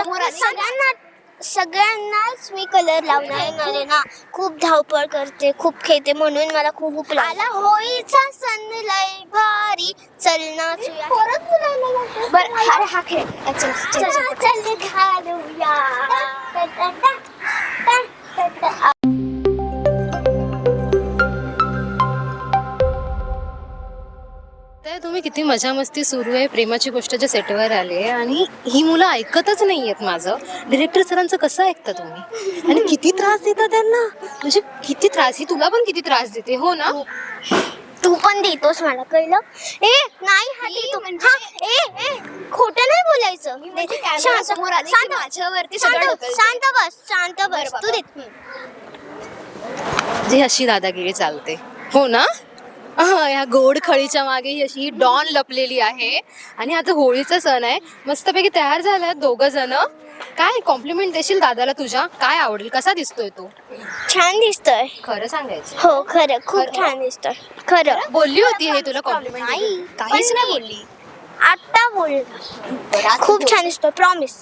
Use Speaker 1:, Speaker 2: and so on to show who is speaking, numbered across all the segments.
Speaker 1: समोर सगळ्यांनाच मी कलर लावणार आहे ना. खूप धावपळ करते, खूप खेळते, म्हणून मला खूप भूक आला. होळीचा सण लय भारी, चल नाचूया. बरं हा खेळ चल घालूया.
Speaker 2: तर तुम्ही किती मजा मस्ती सुरू आहे, प्रेमाची गोष्टच्या सेटवर आले आणि ही मुलं ऐकतच नाही आहेत माझं. डिरेक्टर सरांचं कसं ऐकता तुम्ही? आणि किती त्रास देता त्यांना, म्हणजे किती त्रास. ही तुला पण किती त्रास देते हो ना?
Speaker 1: तू पण देतोस मला, कळलं? ए नाही हा देतो म्हणजे खोटं नाही बोलायचं. शांत बस तू देत.
Speaker 2: जी अशी दादागिरी चालते हो ना. ह्या गोड खळीच्या मागे ही अशी डॉन लपलेली आहे. आणि आता होळीचा सण आहे, मस्तपैकी तयार झाल्यात दोघं जण. काय कॉम्प्लिमेंट देशील दादाला तुझ्या? काय आवडेल, कसा दिसतोय तो?
Speaker 1: छान दिसतोय.
Speaker 2: खरं सांगायचं?
Speaker 1: हो खरं, खूप छान दिसतोय. खरं
Speaker 2: बोलली होती हे तुला कॉम्प्लिमेंट?
Speaker 1: नाही,
Speaker 2: काहीच नाही बोलली.
Speaker 1: आता बोल. खूप छान दिसतोय. प्रॉमिस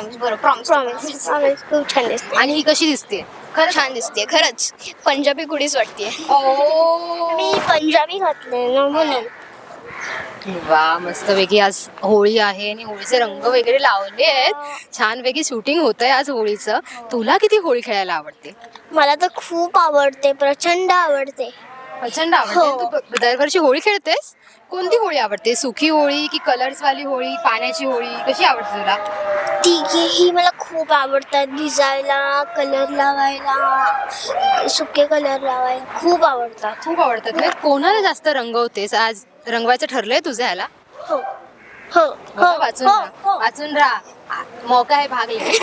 Speaker 1: खूप छान दिसतोय.
Speaker 2: आणि ही कशी दिसते?
Speaker 3: खरंच छान दिसते, खरंच पंजाबी कुडीच वाटते.
Speaker 1: मी पंजाबी घातले ना म्हणून.
Speaker 2: वा, मस्तपैकी आज होळी आहे आणि होळीचे रंग वगैरे लावले आहेत. छानपैकी शूटिंग होत आहे आज होळीचं. तुला किती होळी खेळायला आवडते?
Speaker 1: मला तर खूप आवडते, प्रचंड आवडते.
Speaker 2: प्रचंड आवडते. तू दरवर्षी होळी खेळतेस? कोणती होळी आवडते? सुखी होळी की कलर्स वाली होळी, पाण्याची होळी, कशी आवडते तुला?
Speaker 1: तिघेही मला खूप आवडतात. भिजायला, कलर लावायला, सुके कलर लावायला खूप आवडतात.
Speaker 2: खूप आवडतात. म्हणजे कोणाला जास्त रंगवतेस? आज रंगवायचं ठरलंय तुझं ह्याला?
Speaker 1: हो हो हो
Speaker 2: वाचून राहा, वाचून राहा, मौका आहे, भाग ले.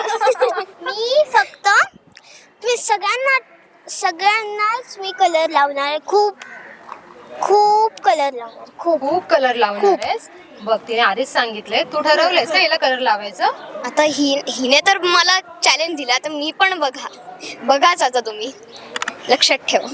Speaker 1: मी सगळ्यांनाच मी कलर लावणार आहे. खूप कलर लावणार.
Speaker 2: खूप कलर लावणार आहेस? बघ, तिने आधीच सांगितलंय. तू ठरवलंयस का हिला कलर लावायचं?
Speaker 3: आता हिने तर मला चॅलेंज दिला, तर मी पण बघाच आता तुम्ही लक्षात ठेव.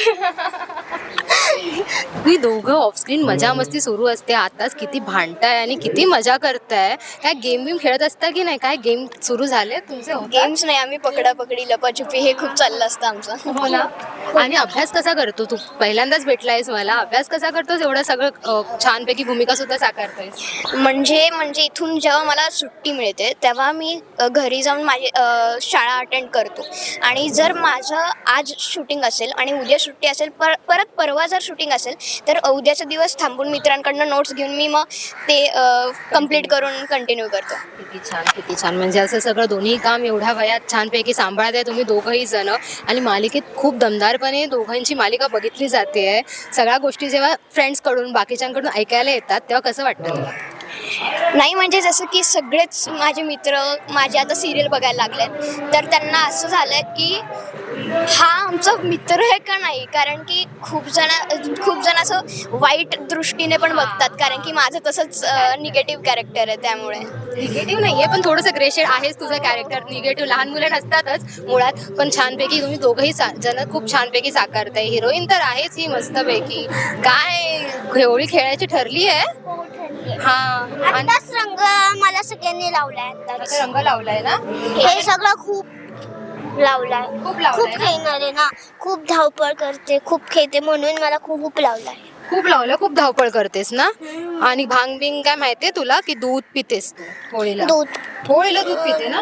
Speaker 2: तुम्ही दोघं ऑफस्क्रीन मजा मस्ती सुरू असते. आताच किती भांडताय आणि किती मजा करताय. काय गेम खेळत असता की नाही? काय गेम सुरू झाले तुमचे?
Speaker 3: गेम्स नाही, आम्ही पकडापकडी, लपाछुपी हे खूप चाललं असतं आमचं.
Speaker 2: हो ना. आणि अभ्यास कसा करतो तू? पहिल्यांदाच भेटलायस मला. अभ्यास कसा करतोस? एवढं सगळं छानपैकी भूमिका सुद्धा साकारतोयस.
Speaker 3: म्हणजे इथून जेव्हा मला सुट्टी मिळते तेव्हा मी घरी जाऊन माझी शाळा अटेंड करतो. आणि जर माझं आज शूटिंग असेल आणि उद्या सुट्टी असेल, परत परवा जर शूटिंग असेल, तर उद्याचा दिवस थांबून मित्रांकडनं नोट्स घेऊन मी मग ते कंप्लीट करून कंटिन्यू करतो.
Speaker 2: किती छान, किती छान. म्हणजे असं सगळं दोन्ही काम एवढ्या वयात छानपैकी सांभाळत आहे तुम्ही दोघंही जण. आणि मालिकेत खूप दमदारपणे दोघांची मालिका बघितली जाते आहे. सगळ्या गोष्टी जेव्हा फ्रेंड्सकडून, बाकीच्यांकडून ऐकायला येतात तेव्हा कसं वाटतं तुला?
Speaker 3: नाही, म्हणजे जसं की सगळेच माझे मित्र माझे आता सिरियल बघायला लागलेत, तर त्यांना असं झालं की हा आमचा मित्र आहे का नाही. कारण की खूप जण असं वाईट दृष्टीने पण बघतात, कारण की माझं तसंच निगेटिव्ह कॅरेक्टर आहे. त्यामुळे
Speaker 2: निगेटिव्ह नाहीये, पण थोडंसं ग्रेशेड आहेच तुझं कॅरेक्टर. निगेटिव्ह लहान मुलं नसतातच मुळात, पण छानपैकी तुम्ही दोघंही जण खूप छानपैकी साकारताय. हिरोईन तर आहेच ही मस्तपैकी. काय होळी खेळायची ठरली आहे? हा,
Speaker 1: आताच रंग मला सगळ्यांनी लावलाय.
Speaker 2: आता रंग लावलाय ना?
Speaker 1: हे सगळं खूप लावलाय.
Speaker 2: खूप
Speaker 1: खेळणार आहे ना. खूप धावपळ करते, खूप खेळते, म्हणून मला खूप लावलाय.
Speaker 2: खूप लावलं. खूप धावपळ करतेस ना. आणि भांग बिंग काय माहितीये तुला की दूध पितेस तू होळीला? होळीला दूध पिते ना?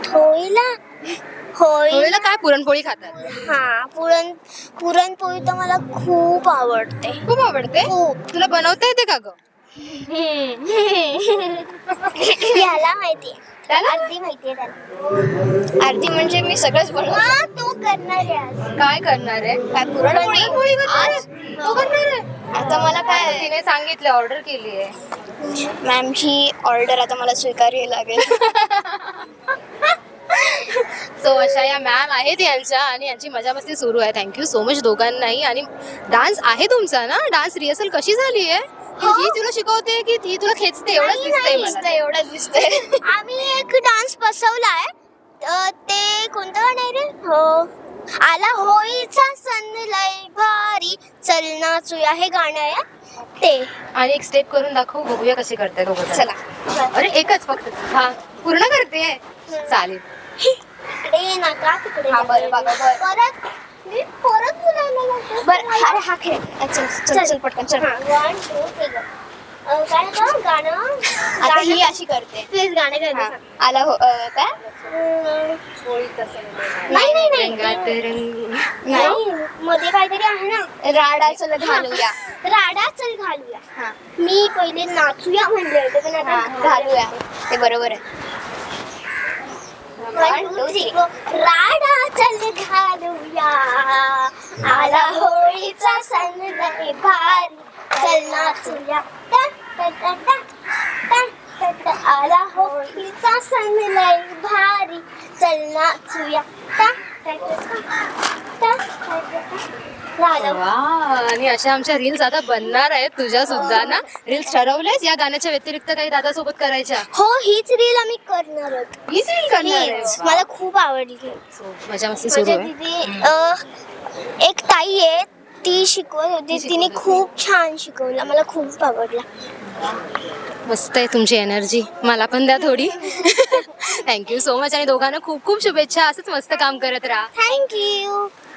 Speaker 2: होळीला काय पुरणपोळी खातात?
Speaker 1: हा, पुरणपोळी तर मला खूप आवडते.
Speaker 2: खूप आवडते? तुला बनवता येते का ग?
Speaker 1: याला माहितीये, अर्धी माहितीये त्याला.
Speaker 3: आरती म्हणजे मी सगळंच बनवतो.
Speaker 1: तू करणार आहे आज.
Speaker 2: काय करणार आहे?
Speaker 3: काय पुरणपोळी
Speaker 2: आज तू करणार आहे?
Speaker 3: आता मला काय
Speaker 2: तिने सांगितलं, ऑर्डर केली आहे.
Speaker 3: मॅमची ऑर्डर आता मला स्वीकारावी लागेल.
Speaker 2: सो अशा या मॅम आहेत यांच्या, आणि यांची मजा मस्ती सुरू आहे. थँक्यू सो मच दोघांनाही. आणि डान्स आहे तुमचा ना? डान्स रिहर्सल कशी झाली आहे? ही तुला शिकवते की ती तुला खेचते?
Speaker 3: एवढंच दिसतंय.
Speaker 1: आम्ही एक डान्स बसवलाय. ते कोणतं गाणं आहे रे? हो, आला होळीचा सण लय भारी, चल नाचूया, हे गाणं आहे ते.
Speaker 2: आणि एक स्टेप करून दाखव, बघूया कशी करताय दोघं.
Speaker 3: चला.
Speaker 2: अरे एकच फक्त. हा, पूर्ण करते चालेल.
Speaker 1: इकडे नका तिकडे
Speaker 3: हा, बरं, बघा, बरं.
Speaker 1: परत मी परत बोलायला लागले.
Speaker 3: बरं अरे हा खेळ चल चल चल पटकन चल.
Speaker 1: हा, 1 2 3 काय गं गाणं
Speaker 3: आता ही अशी करते.
Speaker 1: प्लीज गाणं
Speaker 3: हा,
Speaker 1: गायचं.
Speaker 3: आला हो काय
Speaker 1: नाही नाही नाही
Speaker 2: रंगात रंग
Speaker 1: नाही मध्ये काहीतरी आहे ना.
Speaker 3: राडा चल घालूया.
Speaker 1: राडा चल घालूया.
Speaker 3: हा
Speaker 1: मी पहिले नाचूया म्हणले होते पण
Speaker 3: हा,
Speaker 1: आता
Speaker 3: घालूया ते बरोबर आहे.
Speaker 1: 1 2 3 राडा चल घालूया आला होळीचा सण लय भारी चल नाचूया टा, टा, टा, टा, टा, टा, टा. आला होळीचा सण लय भारी चल नाचूया टा, टा, टा, टा, टा, टा, टा, टा. झालं.
Speaker 2: वा. आणि अशा आमच्या रील्स आता बनणार आहेत तुझ्या सुद्धा ना. रील्स ठरवलेस या गाण्याच्या व्यतिरिक्त काही दादा सोबत करायच्या?
Speaker 1: हो हीच रील आम्ही करणार आहोत.
Speaker 2: हीच रील करणार आहे?
Speaker 1: हीच. मला खूप आवडली.
Speaker 2: मजा मस्ती सुरू
Speaker 1: माझ्या
Speaker 2: आहे.
Speaker 1: दिदी एक ताई आहे ती शिकवत होती. तिने खूप छान शिकवलं. मला खूप आवडला.
Speaker 2: मस्त आहे तुमची एनर्जी. मला पण द्या थोडी. थँक्यू सो मच आणि दोघांना खूप खूप शुभेच्छा. असंच मस्त काम करत राहा.
Speaker 1: थँक्यू.